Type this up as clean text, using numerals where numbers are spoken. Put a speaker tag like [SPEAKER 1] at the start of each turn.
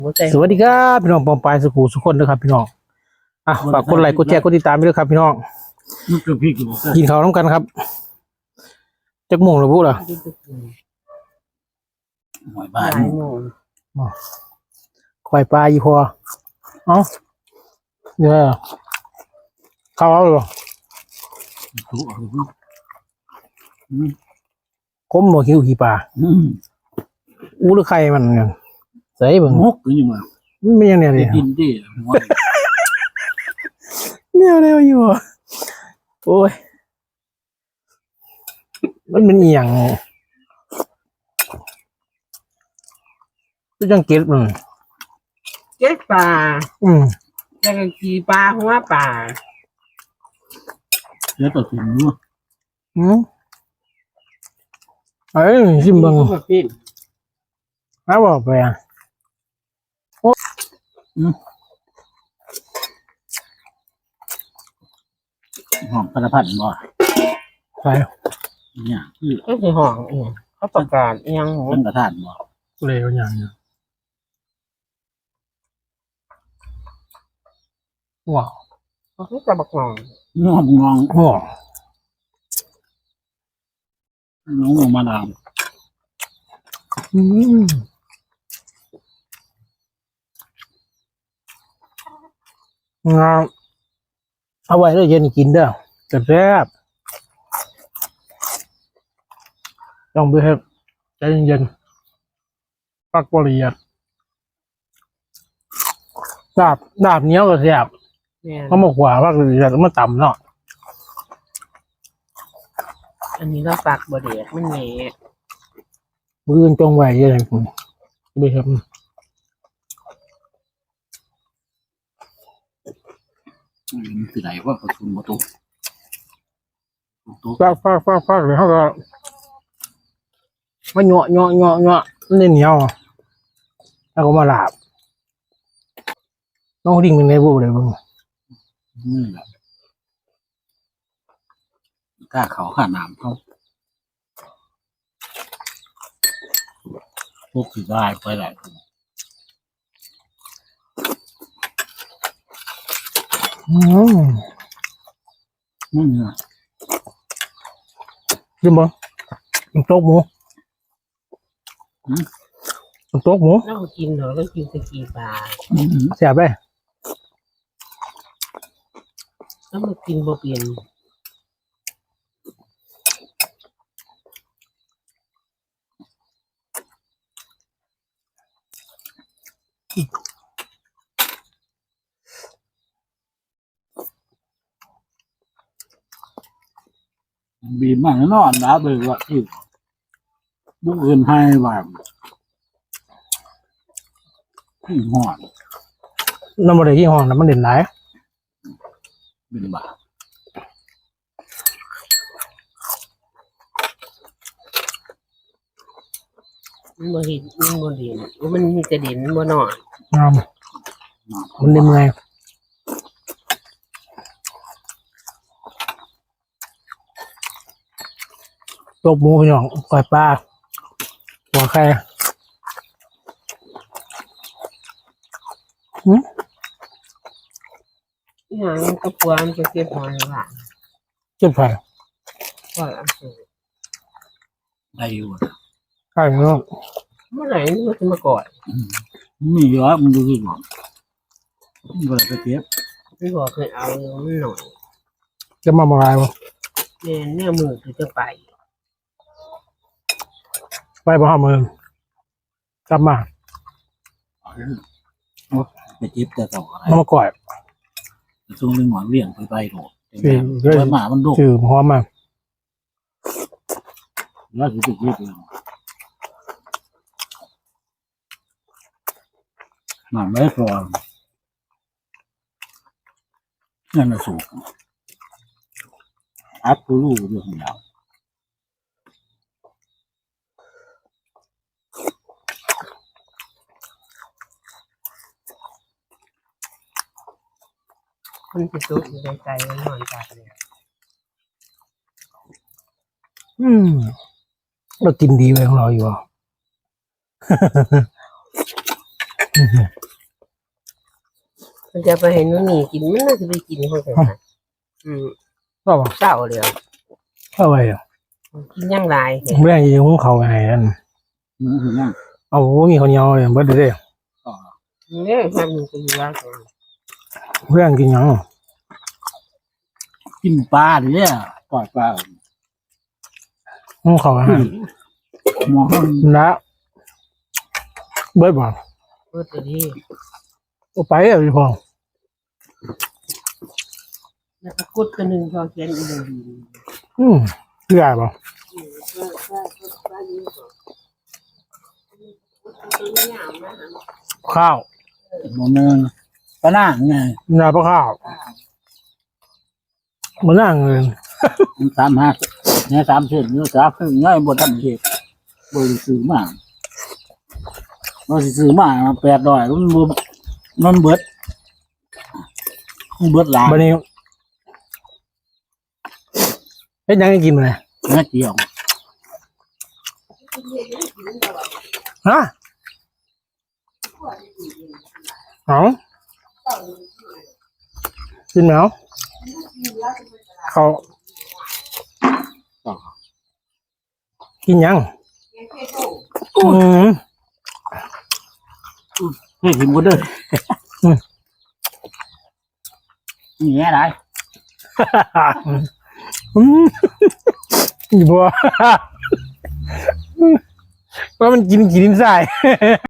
[SPEAKER 1] สวัสดีครับพี่น้องปองปายสกูสุขคนนะครับพี่น้องฝากกดไลค์กดแชร์กดติดตามไปด้วยครับพี่น้องกินข้าวน้ำกันครับจักโมงหรือปุ๊ล่ะ
[SPEAKER 2] หอยบ้าน
[SPEAKER 1] ควายปลาอีพอเนี่ยข้าวเอาหรอก้มหมดคิวขี่ปลาหรือใครมันใส่เบิ่ง
[SPEAKER 2] มกหรือยังไง
[SPEAKER 1] ไม่ยังเนี่ยเลย
[SPEAKER 2] กินดิ
[SPEAKER 1] เนี่ยเร็วอยู่โอ้ยมันเป็นเอียงก็ยังเก็บมัน
[SPEAKER 3] เก็บปลาแล้วก็ขี่ปลาหัวปลา
[SPEAKER 2] แล้วต่อถึงนู้น
[SPEAKER 1] เอ้ยชิมบังบอกไป
[SPEAKER 2] หอมกระพันบ่
[SPEAKER 1] ใช่
[SPEAKER 2] เนี่ย
[SPEAKER 3] ก็คือห่องเขาประกาศยัง
[SPEAKER 2] หมูกระทานบ่
[SPEAKER 1] เลยอย่างนี้ว้าว
[SPEAKER 3] เขาจะบักงอง
[SPEAKER 2] งอมงอง
[SPEAKER 1] ว้าว
[SPEAKER 2] น้องมาดาม
[SPEAKER 1] งามเอาไว้แล้วเย็นกินเด้อแซ่บต้องไปให้ใจเย็นๆปักบริยัดดาบเนี้ยก็แซ่บเขาบอกว่าปักบริยัดมันต่ำเนาะ
[SPEAKER 3] อันนี้เราปักบริยัดมันแหน่
[SPEAKER 1] มือจงไว้ยังไงคุณไปครับ
[SPEAKER 2] คือไหนว่าประชุมประตู
[SPEAKER 1] ฟากเลยเขาก็มาเหาะมันเหนียวแล้วก็มาหลาบน้องดิ่งเป็นไงบูเลยบ้าง
[SPEAKER 2] นี่แหละกล้าเขาขาน้ำเขาพวกที่ได้ไปหลายคนนี่ไง
[SPEAKER 1] ยิมบ่โต๊ะหมูโต๊ะหมู
[SPEAKER 3] เรากินเหรอก็กินตะกี้ปลา
[SPEAKER 1] แซ่บเลย
[SPEAKER 3] แล้วมากินบ่เปลี่ยน
[SPEAKER 2] บีบมันนอนนะเลยว่าที่บุกเงินให้แบบที่หอด
[SPEAKER 1] น้ำมันที่ห้องน้ำมันเด่นไหน
[SPEAKER 2] เป็นบา
[SPEAKER 3] มันบ่เห็นมันบ่เด่นมันมีแต่เด่นมันบ่นอน
[SPEAKER 1] มันในเมืองตบหมูพี่น้องก่อยปลาหัวไข่
[SPEAKER 3] อย่างกระปวมจะเก็บหอยหวาน
[SPEAKER 1] เจ็บไผ่
[SPEAKER 3] ก็อันสูง
[SPEAKER 2] ได้อยู่
[SPEAKER 1] ใช่เนาะ
[SPEAKER 3] เมื่อไหร่มันจะมาก่อน
[SPEAKER 2] มีเยอะมันดูสิหมดก็เลยไปเก็บ
[SPEAKER 3] ไม่บอกเคยเอามันหน่อย
[SPEAKER 1] จะมาอะไรวะ
[SPEAKER 3] เนี่ยมือคือจะไป
[SPEAKER 1] บ่ห้ามือกลับมา
[SPEAKER 2] ไปเก็บแต่ต่ออะไร
[SPEAKER 1] มาก่อย
[SPEAKER 2] ช่วงนึงหมอนเลี้ยงไปโหดหมามันดุ
[SPEAKER 1] ชื่อหอมมา
[SPEAKER 2] แล้วคือติดเก็บเลยหมาไม่พอนั่นน่ะสูงอัพกูรู้เรื่องยาว
[SPEAKER 3] มันจะตุกอยู่ในใจมันนอนจากเลย
[SPEAKER 1] เรากินดีไว้ของเราอยู่
[SPEAKER 3] มันจะไปให้นุ่นนี่กินมันน่าจะไปกินคนอื่นนะ
[SPEAKER 1] ก็บอก
[SPEAKER 3] เศร้าเลยอ่ะ
[SPEAKER 1] เข้าไปอ่ะ
[SPEAKER 3] กินย่างไร
[SPEAKER 1] ไม่ได้ยิงของเขาไงนั่น
[SPEAKER 2] นั่ง
[SPEAKER 1] เอามีคนเดียวเลยเบิดเลย
[SPEAKER 3] เนี่ยทำมันเป็นร้าน
[SPEAKER 1] เพื่อนกินยัง
[SPEAKER 2] กินปลาเนี่ยปล่อยปลา
[SPEAKER 1] ของเขาอาหาร
[SPEAKER 2] หมอ
[SPEAKER 1] แล้วเบิดบอก
[SPEAKER 3] เพื่อดี
[SPEAKER 1] เอาไปอ่ะพี่พง
[SPEAKER 3] แล้วก็กุดตัวหนึ่งพอเขียนอีกหนึ่ง
[SPEAKER 1] เชื่อป่ะข้าว
[SPEAKER 2] หมอเนืองปลาหน้าไง
[SPEAKER 1] นาปลาข้าวมันนั่งเลย
[SPEAKER 2] 35เนี่ย30เนี่ย30ง่ายบ่ทันเฮ็ดบ่ได้ซื้อมาบ่สิซื้อมา800มันเบิดหลาย
[SPEAKER 1] วันนี้เฮ็ดยังให้กินมาเลย
[SPEAKER 2] นะเกี่ยว
[SPEAKER 1] ฮะเอากินไหมเอาเขากินยัง
[SPEAKER 2] เฮ้ยหิมก็เด้อนี่แหละได้
[SPEAKER 1] อีบัวว่ามันกินใส่